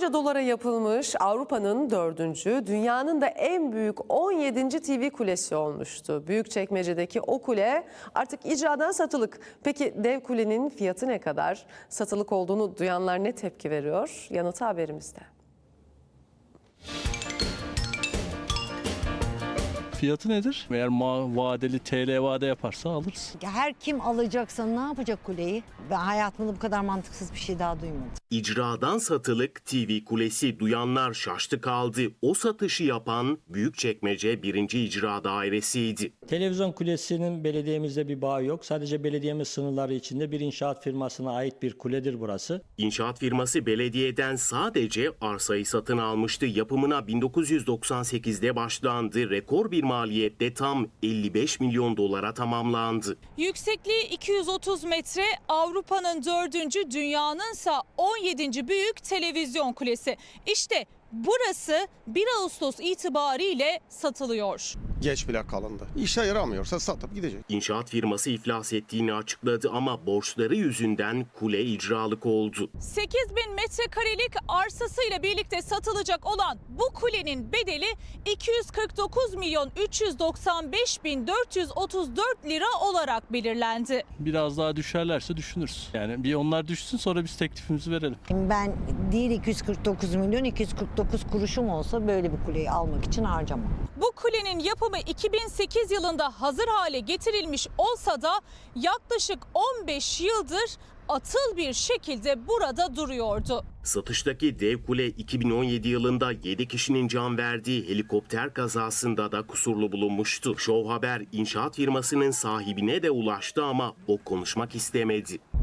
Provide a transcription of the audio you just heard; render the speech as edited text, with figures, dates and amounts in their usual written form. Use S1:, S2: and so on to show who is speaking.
S1: Milyarlarca dolara yapılmış Avrupa'nın 4. dünyanın da en büyük 17. TV kulesi olmuştu. Büyükçekmece'deki o kule artık icradan satılık. Peki dev kulenin fiyatı ne kadar? Satılık olduğunu duyanlar ne tepki veriyor? Yanıtı haberimizde.
S2: Fiyatı nedir? Eğer vadeli TL vade yaparsa alırız.
S3: Her kim alacaksa ne yapacak kuleyi? Ben hayatımda bu kadar mantıksız bir şey daha duymadım.
S4: İcradan satılık TV kulesi, duyanlar şaştı kaldı. O satışı yapan Büyükçekmece 1. İcra Dairesi'ydi.
S5: Televizyon kulesinin belediyemizde bir bağı yok. Sadece belediyemiz sınırları içinde bir inşaat firmasına ait bir kuledir burası.
S4: İnşaat firması belediyeden sadece arsayı satın almıştı. Yapımına 1998'de başlandı. Rekor bir maliyette tam 55 milyon dolara tamamlandı.
S6: Yüksekliği 230 metre, Avrupa'nın 4. dünyanınsa 17. büyük televizyon kulesi. İşte burası 1 Ağustos itibariyle satılıyor.
S7: Geç bile kalındı. İşe yaramıyorsa satıp gidecek.
S4: İnşaat firması iflas ettiğini açıkladı ama borçları yüzünden kule icralık oldu.
S6: 8.000 metrekarelik arsasıyla birlikte satılacak olan bu kulenin bedeli 249.395.434 lira olarak belirlendi.
S2: Biraz daha düşerlerse düşünürüz. Yani bir onlar düşsün, sonra biz teklifimizi verelim.
S3: Ben değil 249 milyon 249 kuruşum olsa böyle bir kuleyi almak için harcamam.
S6: Bu kulenin yapımı 2008 yılında hazır hale getirilmiş olsa da yaklaşık 15 yıldır atıl bir şekilde burada duruyordu.
S4: Satıştaki dev kule 2017 yılında 7 kişinin can verdiği helikopter kazasında da kusurlu bulunmuştu. Show Haber inşaat firmasının sahibine de ulaştı ama o konuşmak istemedi.